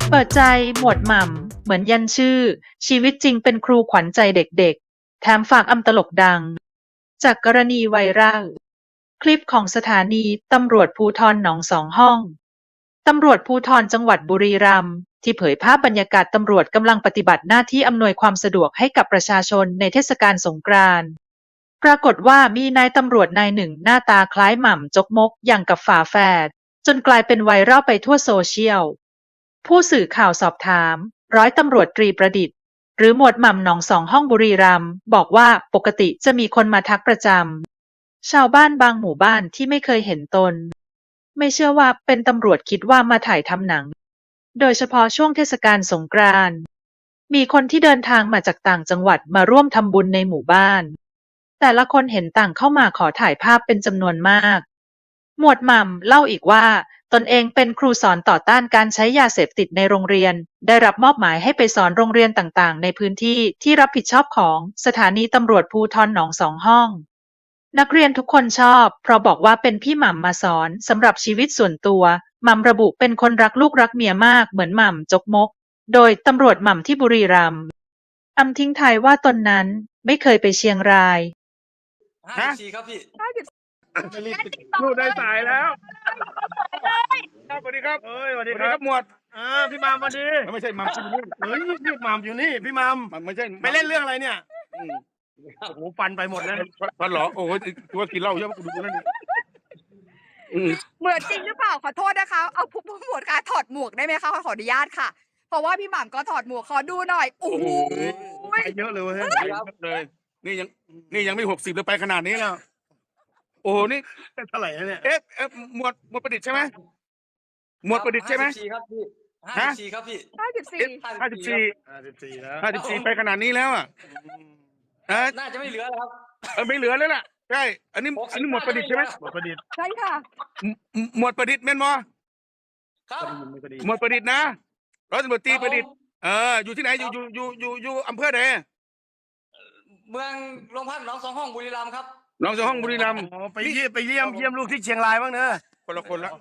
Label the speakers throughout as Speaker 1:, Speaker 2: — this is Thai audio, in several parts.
Speaker 1: เปิดใจหมวดหม่ำเหมือนยันชื่อชีวิตจริงเป็นครูขวัญใจเด็กๆแถมฝากอำตลกดังจากกรณีไวรัลคลิปของสถานีตำรวจภูธรหนองสองห้องตำรวจภูธรจังหวัดบุรีรัมย์ที่เผยภาพบรรยากาศตำรวจกำลังปฏิบัติหน้าที่อำนวยความสะดวกให้กับประชาชนในเทศกาลสงกรานต์ปรากฏว่ามีนายตำรวจนายหนึ่งหน้าตาคล้ายหม่ำจกมกอย่างกับฝาแฝดจนกลายเป็นไวรัลไปทั่วโซเชียล ผู้สื่อข่าวสอบถามร้อยตำรวจตรีประดิษฐ์หรือหมวดหม่ำหนองสองห้องบุรีรัมย์บอกว่าปกติจะมีคนมาทักประจำชาวบ้านบางหมู่บ้านที่ไม่เคยเห็นตนไม่เชื่อว่าเป็นตำรวจคิดว่ามาถ่ายทำหนังโดยเฉพาะช่วงเทศกาลสงกรานต์มีคนที่เดินทางมาจากต่างจังหวัดมาร่วมทำบุญในหมู่บ้านแต่ละคนเห็นต่างเข้ามาขอถ่ายภาพเป็นจำนวนมากหมวดหม่ำเล่าอีกว่าตนเองเป็นครูสอนต่อต้านการใช้ยาเสพติดในโรงเรียนได้รับมอบหมายให้ไปสอนโรงเรียนต่างๆในพื้นที่ที่รับผิดชอบของสถานีตำรวจภูธรหนองสองห้องนักเรียนทุกคนชอบเพราะบอกว่าเป็นพี่หม่ำมาสอนสำหรับชีวิตส่วนตัวหม่ำระบุเป็นคนรักลูกรักเมียมากเหมือนหม่ำจกมกโดยตำรวจหม่ำที่บุรีรัมย์ทิ้งท้ายว่าตนนั้นไม่เคยไปเชียงราย
Speaker 2: 54ครับพี่
Speaker 3: พูดได้สายแล้วสวัสดีครับสวัสดีครับหมวดพี่มามวันดีไม่ใช่มามที่นี่พี่มามอยู่นี่พี่มามไม่ใช่ไปเล่นเรื่องอะไรเนี่ยโอ้โหฟันไปหมดแล้วฟันหรอโอ้โหตัวกินเหล้าเยอะกูดูนั่น
Speaker 4: เหมือนจริงหรือเปล่าขอโทษนะคะเอาผู้หมวดการถอดหมวกได้ไหมคะขออนุญาตค่ะเพราะว่าพี่หม่ำก็ถอดหมวกขอดูหน่อยโอ้โห
Speaker 3: ไปเยอะเลยเลยนี่ยังไม่60เลยไปขนาดนี้แล้วโอ้โหนี่เท่าไหร่เนี่ยหมวดประดิษฐ์ใช่ไหมหมวดประดิษฐ์ใช่ไหม
Speaker 2: 54ครับพี่54ครับพี่
Speaker 3: 54ไปขนาดนี้แล้วอ่ะ
Speaker 2: น่าจะไม่เหลือแล้วครับ
Speaker 3: ไม่เหลือแล้วล่ะใช่อันนี้หมวดประดิษฐ์ใช่ไหมหมวดประดิษฐ์
Speaker 4: ใช่ค่ะ
Speaker 3: หมวดประดิษฐ์แม่นมอ
Speaker 2: ครับ
Speaker 3: หมวดประดิษฐ์นะร้อยตำรวจตรีประดิษฐ์อยู่ที่ไหนอยู่อำเภอไหน
Speaker 2: เมืองโรงพักหนองสองห้องบุรีรัมย์ครับ
Speaker 3: หนองสองห้องบุรีรัมย์ไปเยี่ยมลูกที่เชียงรายบ้างเนอะคนละคนละ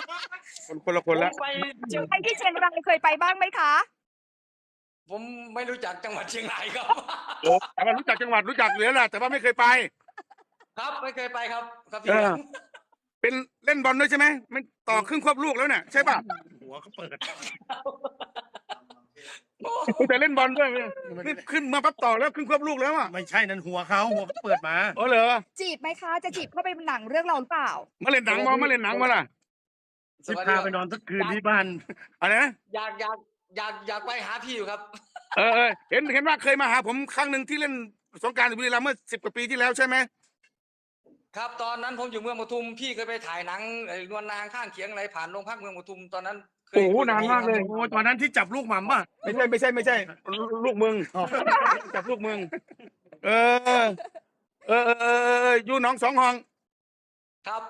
Speaker 4: ไปที่เชียงรายเคยไปบ้างไหมคะ
Speaker 2: ผมไม่รู้จักจังหวัดเชียงรายครับ
Speaker 3: โอ้แต่ว่ารู้จักจังหวัดรู้จักเหลือแหละแต่ว่าไม่เคยไป
Speaker 2: ครับไม่เคยไปครับพี่
Speaker 3: เป็นเล่นบอลด้วยใช่ไหมมันต่อครึ่งควบลูกแล้วเนี่ยใช่ป่ะหัวเขาเปิดแต่เล่นบอลด้วยขึ้นมาปั๊บต่อแล้วครึ่งควบลูกแล้วอ่ะไม่ใช่นั่นหัวเขาเปิดมาอ๋อเหรอ
Speaker 4: จีบไหมคะจะจีบเข้าไปหนังเรื่องเราหรือเปล่า
Speaker 3: มาเล่นหนังมาล่ะสิพาไปนอนสักคืนที่บ้านอะไรนะ
Speaker 2: อยากไปหาพี่อยู่ครับ
Speaker 3: เห็นว่าเคยมาหาผมครั้งหนึ่งที่เล่นสงกรานต์บุรีรัมย์เมื่อ10 กว่าปีที่แล้วใช่ไหม
Speaker 2: ครับตอนนั้นผมอยู่เมืองปทุมพี่เคยไปถ่ายหนังนวลนางข้างเคียงอะไรผ่านโรงพักเมืองปทุมตอนนั้น
Speaker 3: โอ้โหนานมากเลยโอ้ตอนนั้นที่จับลูกหม่ำป่ะไม่ใช่ลูกมึงจับลูกมึงอยู่หนองสองห้อง
Speaker 2: ครับ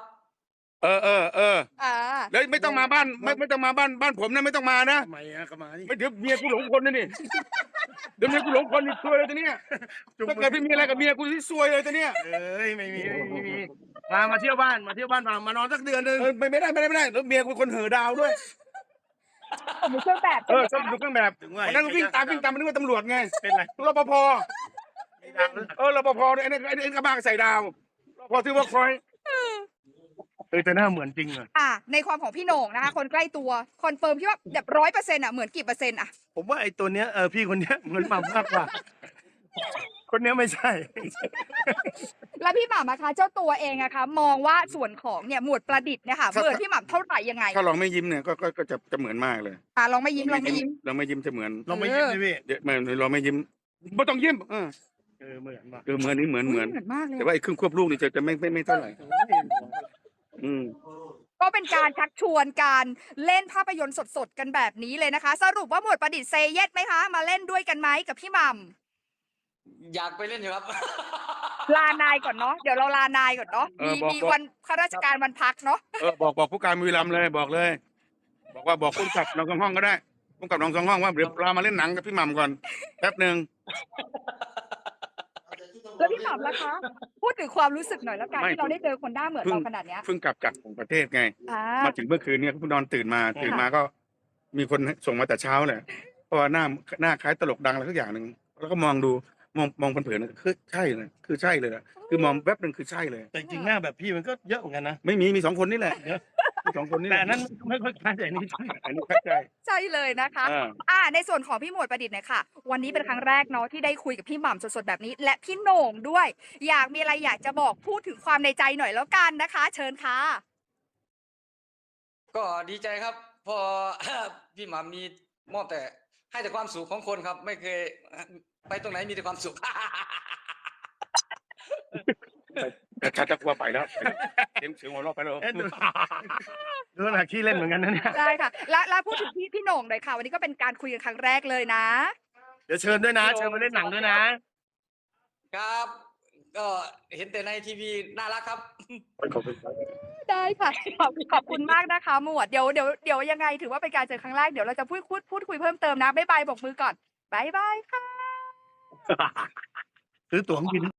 Speaker 3: แล้วไม่ต้องมาบ้านไม่ต้องมาบ้านผมนะไม่ต้องมานะทำไมก็มาไม่เดี๋ยวเมียกูหลงคนนี่เดี๋ยวเมียกูหลงคนนี่ซวยเลยตอนนี้ถ้าเกิดพี่มีอะไรกับเมียกูที่ซวยเลยตอนนี้ไม่มีมาเที่ยวบ้านมานอนสักเดือนนึงไม่ได้แล้วเมียกูคนเห่อดาวด้วย
Speaker 4: มีเครื่องแบบ
Speaker 3: ชอบดูเครื่องแบบวันนั้นวิ่งตามมันนึกว่าตำรวจไงเป็นไรรปภรปภไอ้กระบะใส่ดาวรปภที่ว่าคอยแต่หน้าเหมือนจริงเลย
Speaker 4: ในความของพี่โหน่งนะคะคนใกล้ตัวคอนเฟิร์มพี่ว่าแบบ100%เหมือนกี่เปอร์เซ็นต์
Speaker 3: ผมว่าไอ้ตัวเนี้ยพี่คนเนี้ยเหมือนหม่ำมากกว่าคนเนี้ยไม่ใช่
Speaker 4: แล้วพี่หม่ำนะคะเจ้าตัวเองอะคะมองว่าส่วนของเนี่ยหมวดประดิษฐ์เนี่ยค่ะเหมือนพี่หม่ำเท่าไหร่ยังไง
Speaker 3: ถ้าลองไม่ยิ้มเนี่ยก็จะเหมือนมากเลย
Speaker 4: ลองไม่ยิ้ม
Speaker 3: เราไม่ยิ้มจะเหมือนลองไม่ยิ้มเลยพี่ลองไม่ยิ้มไม่ต้องยิ้มเหมือนนี่เหมือน
Speaker 4: มากเลย
Speaker 3: แต่ว่าไอ้ครึ่งควบลูกนี่จะไม่เท่าไหร่
Speaker 4: ก็เป็นการชักชวนการเล่นภาพยนตร์สดๆกันแบบนี้เลยนะคะสรุปว่าหมวดประดิษฐ์เซเยสไหมคะมาเล่นด้วยกันไหมกับพี่หม่
Speaker 2: ำอยากไปเล่นอยู่ครับ
Speaker 4: ลานายก่อนเนาะเดี๋ยวเราลานายก่อนเนาะมีวันข้าราชการวันพักเนาะ
Speaker 3: บอกผู้การบุรีรัมย์เลยบอกว่าบอกผู้กับน้องสองห้องก็ได้ผู้กับน้องสองห้องว่าเดี๋ยวเรามาเล่นหนังกับพี่หม่ำก่อนแป๊บนึง
Speaker 4: แล้วพี่หม่ำล่ะคะพูดถึงความรู้สึกหน่อยแล้วกันที่เราได้เจอคนหน้าเหมือนเราขนาดนี้
Speaker 3: เพิ่งกลับจากต่างประเทศไงมาถึงเมื่อคืนเนี่ยเพิ่งนอนตื่นมาก็มีคนส่งมาแต่เช้าแหละเพราะว่าหน้าคล้ายตลกดังอะไรสักอย่างหนึ่งแล้วก็มองดูมองเผินๆคือใช่เลยคือใช่เลยนะคือมองแวบหนึ่งคือใช่เลย
Speaker 5: แต่จริงๆหน้าแบบพี่มันก็เยอะเหมือนกันนะ
Speaker 3: ไม่มี2 คนนี่แหละมี2 คนนี่แห
Speaker 5: แต่
Speaker 3: ละ
Speaker 5: อันนั้นไม่ค่อยคล้ายแต่อันนี้ใช่
Speaker 3: อันนี้เข้าใจ
Speaker 4: ใช่เลยนะคะ ในส่วนของพี่หมวดประดิษฐ์เนี่ยค่ะ วันนี้เป็นครั้งแรกเนาะที่ได้คุยกับพี่หม่ำสดๆแบบนี้ และพี่โหน่งด้วย มีอะไรอยากจะบอกพูดถึงความในใจหน่อยแล้วกันนะคะ เชิญค่ะ
Speaker 2: ก็ดีใจครับ พอ พี่หม่ำมีมอบแต่ให้แต่ความสุขของคนครับ ไม่เคยไปตรงไหนมีแต่ความสุข
Speaker 3: แต่ชัดจะกลัวไปแล้วเสียงหัวเราะไปแล้ว
Speaker 5: เอ๊ะดูหนักขี้เล่นเหมือนกันนะเนี่ย
Speaker 4: ได้ค่ะ แล้วพูดถึงพี่โหน่งหน่อยค่ะ วันนี้ก็เป็นการคุยกันครั้งแรกเลยนะ
Speaker 5: เดี๋ยวเชิญด้วยนะ เชิญมาเล่นหนังด้วยนะ
Speaker 2: ครับ ก็เห็นแต่ในทีวีน่ารักครับ
Speaker 4: ได้ค่ะ ขอบคุณมากนะคะ หมวดเดี๋ยวยังไงถือว่าเป็นการเจอครั้งแรกเดี๋ยวเราจะพูดคุยเพิ่มเติมนะบ๊ายบายบอกมือก่อนบ๊ายบายค่ะ
Speaker 5: ซื้อตั๋วเครื่องบิน